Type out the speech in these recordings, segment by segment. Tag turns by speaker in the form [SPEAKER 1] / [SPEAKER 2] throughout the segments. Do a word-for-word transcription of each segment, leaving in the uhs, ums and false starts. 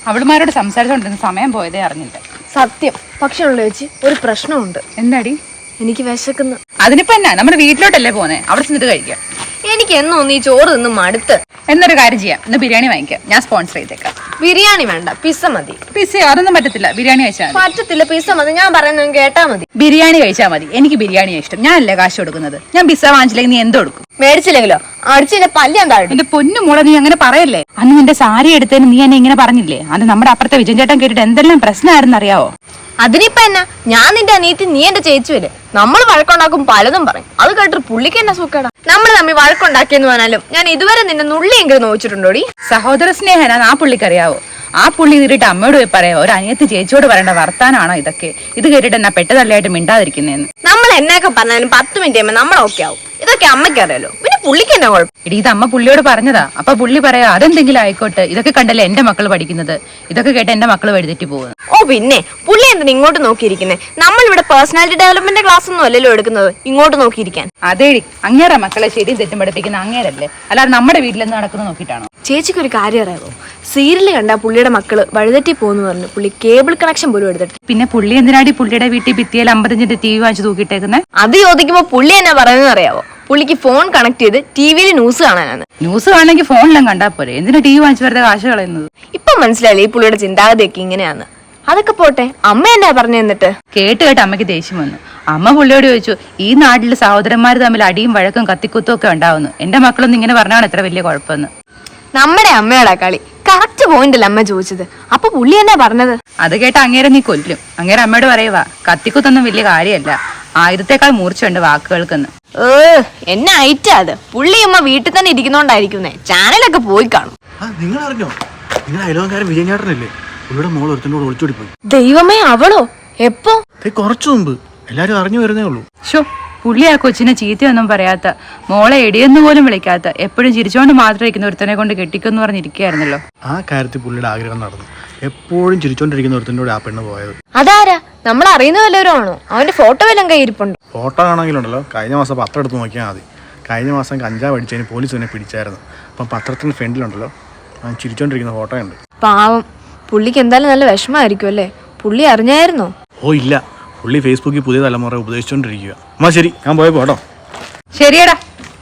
[SPEAKER 1] അവളുമാരോട് സംസാരിച്ചോണ്ടിരുന്ന സമയം പോയതേ അറിഞ്ഞില്ല.
[SPEAKER 2] സത്യം. പക്ഷെ ഉള്ള ചേച്ചി ഒരു പ്രശ്നമുണ്ട്.
[SPEAKER 1] എന്താടി?
[SPEAKER 2] എനിക്ക് വിശക്കുന്നു.
[SPEAKER 1] അതിനിപ്പോ എന്നാ, നമ്മുടെ വീട്ടിലോട്ടല്ലേ പോന്നെ, അവിടെ ചെന്നിട്ട് കഴിക്കാം.
[SPEAKER 2] എനിക്ക് എന്നും ഈ ചോറ് നിന്നും മടുത്ത്.
[SPEAKER 1] എന്നൊരു കാര്യം ചെയ്യാം, ഇന്ന് ബിരിയാണി വാങ്ങിക്കാം, ഞാൻ സ്പോൺസർ ചെയ്തേക്കാം.
[SPEAKER 2] ബിരിയാണി വേണ്ട, പിസ്സ മതി.
[SPEAKER 1] പിസ്സ അതൊന്നും പറ്റത്തില്ല, ബിരിയാണി കഴിച്ചാൽ മതി.
[SPEAKER 2] പറ്റത്തില്ല, പിസ്സ മതി. ഞാൻ പറയുന്നത് കേട്ടാ മതി.
[SPEAKER 1] ബിരിയാണി കഴിച്ചാൽ മതി. എനിക്ക് ബിരിയാണിയാ ഇഷ്ടം. ഞാനല്ലേ കാശ് കൊടുക്കുന്നത്. ഞാൻ പിസ്സ വാങ്ങിച്ചില്ലെങ്കിൽ നീ എന്തോ കൊടുക്കും?
[SPEAKER 2] മേടിച്ചില്ലെങ്കിലോ അടിച്ചിന്റെ പല്ല് താഴെ.
[SPEAKER 1] എന്റെ പൊന്നു മോളെ, നീ അങ്ങനെ പറയല്ലേ. അന്ന് നിന്റെ സാരി എടുത്തതിന് നീ എന്നെ ഇങ്ങനെ പറഞ്ഞില്ലേ? അത് നമ്മുടെ അപ്പുറത്തെ വിജയൻ ചേട്ടൻ കേട്ടിട്ട് എന്തെല്ലാം പ്രശ്നമായിരുന്നു അറിയാവോ?
[SPEAKER 2] അതിനിപ്പ എന്നാ, ഞാൻ നിന്റെ അനിയത്തി, നീ എന്റെ ചേച്ചുവല്ലേ. നമ്മൾ വഴക്കുണ്ടാക്കും, പലതും പറയും. അത് കേട്ടിട്ട് പുള്ളിക്ക് എന്നാ സൂക്കേടാ. നമ്മൾ തമ്മിൽ വഴക്കുണ്ടാക്കിയെന്ന് പറഞ്ഞാലും ഞാൻ ഇതുവരെ നിന്റെ നുള്ളിയെങ്കിലും നോവിച്ചിട്ടുണ്ടോടി?
[SPEAKER 1] സഹോദര സ്നേഹന ആ പുള്ളിക്കറിയാവോ? ആ പുള്ളി ഇതിട്ട് അമ്മയോട് പോയി പറയാവോ? ഒരു അനിയത്തി ചേച്ചിയോട് പറയേണ്ട വർത്താനാണോ ഇതൊക്കെ? ഇത് കേട്ടിട്ട് എന്നാ പെട്ടതല്ലായിട്ട് മിണ്ടാതിരിക്കുന്നേന്ന്.
[SPEAKER 2] നമ്മൾ എന്നൊക്കെ പറഞ്ഞാലും പത്ത് മിനിറ്റ് കഴിയുമ്പോൾ നമ്മൾ ഓക്കെ ആവും. ഇതൊക്കെ അമ്മയ്ക്ക് അറിയാലോ, പിന്നെ പുള്ളിക്ക് എന്നാ കുഴപ്പം?
[SPEAKER 1] ഇടി, ഇത് അമ്മ പുള്ളിയോട് പറഞ്ഞതാ. അപ്പൊ പുള്ളി പറയാ അതെന്തെങ്കിലും ആയിക്കോട്ടെ, ഇതൊക്കെ കണ്ടല്ലേ എന്റെ മക്കൾ പഠിക്കുന്നത്, ഇതൊക്കെ കേട്ട് എന്റെ മക്കൾ വഴിതെറ്റി പോകുന്നത്.
[SPEAKER 2] ഓ പിന്നെ പുള്ളി എന്തിനാ ഇങ്ങോട്ട് നോക്കിയിരിക്കുന്നേ? നമ്മൾ ഇവിടെ പേഴ്സണാലിറ്റി ഡെവലപ്മെന്റ് ക്ലാസ് ഒന്നും അല്ലല്ലോ എടുക്കുന്നത്, ഇങ്ങോട്ട് നോക്കിയിരിക്കാൻ.
[SPEAKER 1] അതേടി, അങ്ങേറെ മക്കളെ ശരിയും തെറ്റും പഠിപ്പിക്കുന്ന അങ്ങേരല്ലേ, അല്ലാതെ നമ്മുടെ വീട്ടിലെന്ന് നടക്കുന്നത് നോക്കിയിട്ടാണോ?
[SPEAKER 2] ചേച്ചിക്ക് ഒരു കാര്യം അറിയാമോ? സീരിയൽ കണ്ട പുള്ളിയുടെ മക്കള് വഴിതെറ്റി പോകുന്നു പറഞ്ഞു പുള്ളി കേബിൾ കണക്ഷൻ പോലും എടുത്തിട്ട്.
[SPEAKER 1] പിന്നെ പുള്ളി എന്തിനാടി പുള്ളിയുടെ വീട്ടിൽ ഭിത്തിയിൽ അമ്പത്തഞ്ചിന്റെ ടി വി വാങ്ങിച്ചു തൂക്കിയിട്ടേക്കുന്നത്?
[SPEAKER 2] അത് ചോദിക്കുമ്പോ പുള്ളി എന്നാ പറയുന്നത് അറിയാവോ? പുള്ളിക്ക് ഫോൺ കണക്ട് ചെയ്ത് ടി വിയിൽ ന്യൂസ് കാണാനാണ്.
[SPEAKER 1] ന്യൂസ് കാണണമെങ്കിൽ ഫോണിലും കണ്ടാ പോരെ, എന്തിനാ ടി വി വാങ്ങിച്ചു വെറുതെ കാശ് കളയുന്നത്?
[SPEAKER 2] ഇപ്പൊ മനസ്സിലായില്ലേ ഈ പുള്ളിയുടെ ചിന്താഗതിയൊക്കെ ഇങ്ങനെയാന്ന്? അതൊക്കെ പോട്ടെ, അമ്മ എന്നാ പറഞ്ഞു എന്നിട്ട്?
[SPEAKER 1] കേട്ട് കേട്ട് അമ്മയ്ക്ക് ദേഷ്യം വന്നു. അമ്മ പുള്ളിയോട് ചോദിച്ചു, ഈ നാട്ടില് സഹോദരന്മാർ തമ്മിൽ അടിയും വഴക്കും കത്തിക്കുത്തും ഒക്കെ ഉണ്ടാവുന്നു, എന്റെ മക്കളൊന്നും ഇങ്ങനെ പറഞ്ഞാണ് എത്ര വലിയ കുഴപ്പമെന്ന്.
[SPEAKER 2] നമ്മുടെ അമ്മയോടാ കളി. കറക്റ്റ് പോയിന്റ് അല്ല അമ്മ ചോദിച്ചത്. അപ്പൊ പുള്ളി എന്നാ പറഞ്ഞത്?
[SPEAKER 1] അത് കേട്ട് അങ്ങേരെ നീ കൊല്ലും. അങ്ങേരെ അമ്മയോട് പറയുവാ, കത്തിക്കുത്തൊന്നും വലിയ കാര്യമല്ല, ആയിരത്തേക്കാൾ മൂർച്ചയുണ്ട് വാക്കുകൾക്കെന്ന്.
[SPEAKER 2] ഏ എന്നെ അയറ്റാ അത്. പുള്ളി അമ്മ വീട്ടിൽ തന്നെ ഇരിക്കുന്നോണ്ടായിരിക്കുന്നേ, ചാനലൊക്കെ പോയി കാണും.
[SPEAKER 3] നിങ്ങൾ അറിഞ്ഞോ? നിങ്ങൾ അയലോകാരൻ വിജയൻ ചേട്ടനല്ലേ? ഇവിടെ മോൾ ഒരുത്തനോട് ഒളിച്ചോടി പോയി.
[SPEAKER 2] ദൈവമേ, അവളോ? എപ്പോ?
[SPEAKER 3] കുറച്ചു മുമ്പ്. എല്ലാരും അറിഞ്ഞു വരുന്നേ ഉള്ളൂ.
[SPEAKER 1] ഷോ, പുള്ളി ആ കൊച്ചിനെ ചീത്തയൊന്നും പറയാത്ത, മോളെ എടിയെന്ന് പോലും വിളിക്കാത്ത, എപ്പോഴും ചിരിച്ചോണ്ട് മാത്രം ഇരിക്കുന്ന ഒരുത്തനെ കൊണ്ട് കെട്ടിക്കുമെന്ന് പറഞ്ഞിരിക്കുകയായിരുന്നല്ലോ.
[SPEAKER 3] ആ കാര്യത്തിൽ പുള്ളിയുടെ ആഗ്രഹം നടന്നു. എപ്പോഴും ചിരിച്ചോണ്ടിരിക്കുന്ന ഒരുത്തനോട് ആ പെണ്ണ് പോയത്.
[SPEAKER 2] അതാരാ? നമ്മൾ അറിയുന്ന വല്ലവരാണോ? അവന്റെ ഫോട്ടോ വല്ലതും കയ്യിരിപ്പുണ്ട്?
[SPEAKER 3] ഫോട്ടോ ആണെങ്കിലുണ്ടല്ലോ, കഴിഞ്ഞ മാസം പത്രം എടുത്ത് നോക്കിയാൽ മതി. കഴിഞ്ഞ മാസം കഞ്ചാവ് അടിച്ചതിന് പോലീസ് തന്നെ പിടിച്ചായിരുന്നു. അപ്പം പത്രത്തിന് ഫ്രണ്ടിലുണ്ടല്ലോ അവൻ ചിരിച്ചോണ്ടിരിക്കുന്ന ഫോട്ടോ ഉണ്ട്.
[SPEAKER 2] പാവം, പുള്ളിക്ക് എന്തായാലും നല്ല വിഷമമായിരിക്കും അല്ലേ? പുള്ളി അറിഞ്ഞായിരുന്നോ?
[SPEAKER 3] ഓ ഇല്ല, പുള്ളി ഫേസ്ബുക്കിൽ പുതിയ തലമുറ ഉപദേശിച്ചോണ്ടിരിക്കുക. അമ്മ ശരി, ഞാൻ പോയപ്പോ കേട്ടോ.
[SPEAKER 1] ശരിയടാ,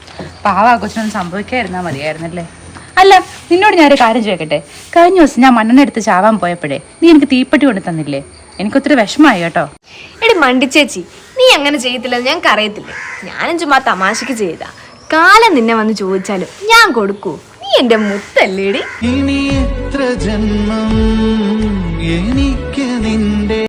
[SPEAKER 1] പാവ ആ കൊച്ചിനൊന്നും സംഭവിക്കാതിരുന്നാ മതിയായിരുന്നല്ലേ. അല്ല, നിന്നോട് ഞാനൊരു കാര്യം ചോദിക്കട്ടെ? കഴിഞ്ഞ ദിവസം ഞാൻ മണ്ണെണ്ണ എടുത്ത് ചാവാൻ പോയപ്പോഴേ നീ എനിക്ക് തീപ്പെട്ടി കൊണ്ട് തന്നില്ലേ? എനിക്കൊത്തിരി വിഷമമായി കേട്ടോ.
[SPEAKER 2] എടി മണ്ടിച്ചേച്ചി, നീ അങ്ങനെ ചെയ്യത്തില്ലെന്ന് ഞങ്ങൾക്ക് അറിയത്തില്ലേ? ഞാനും ചുമ്മാ തമാശക്ക് ചെയ്താ. കാലം നിന്നെ വന്ന് ചോദിച്ചാലും ഞാൻ കൊടുക്കൂ. നീ എന്റെ മുത്തല്ലേടി.
[SPEAKER 4] ഇനി എത്ര ജന്മം എനിക്ക് നിന്റെ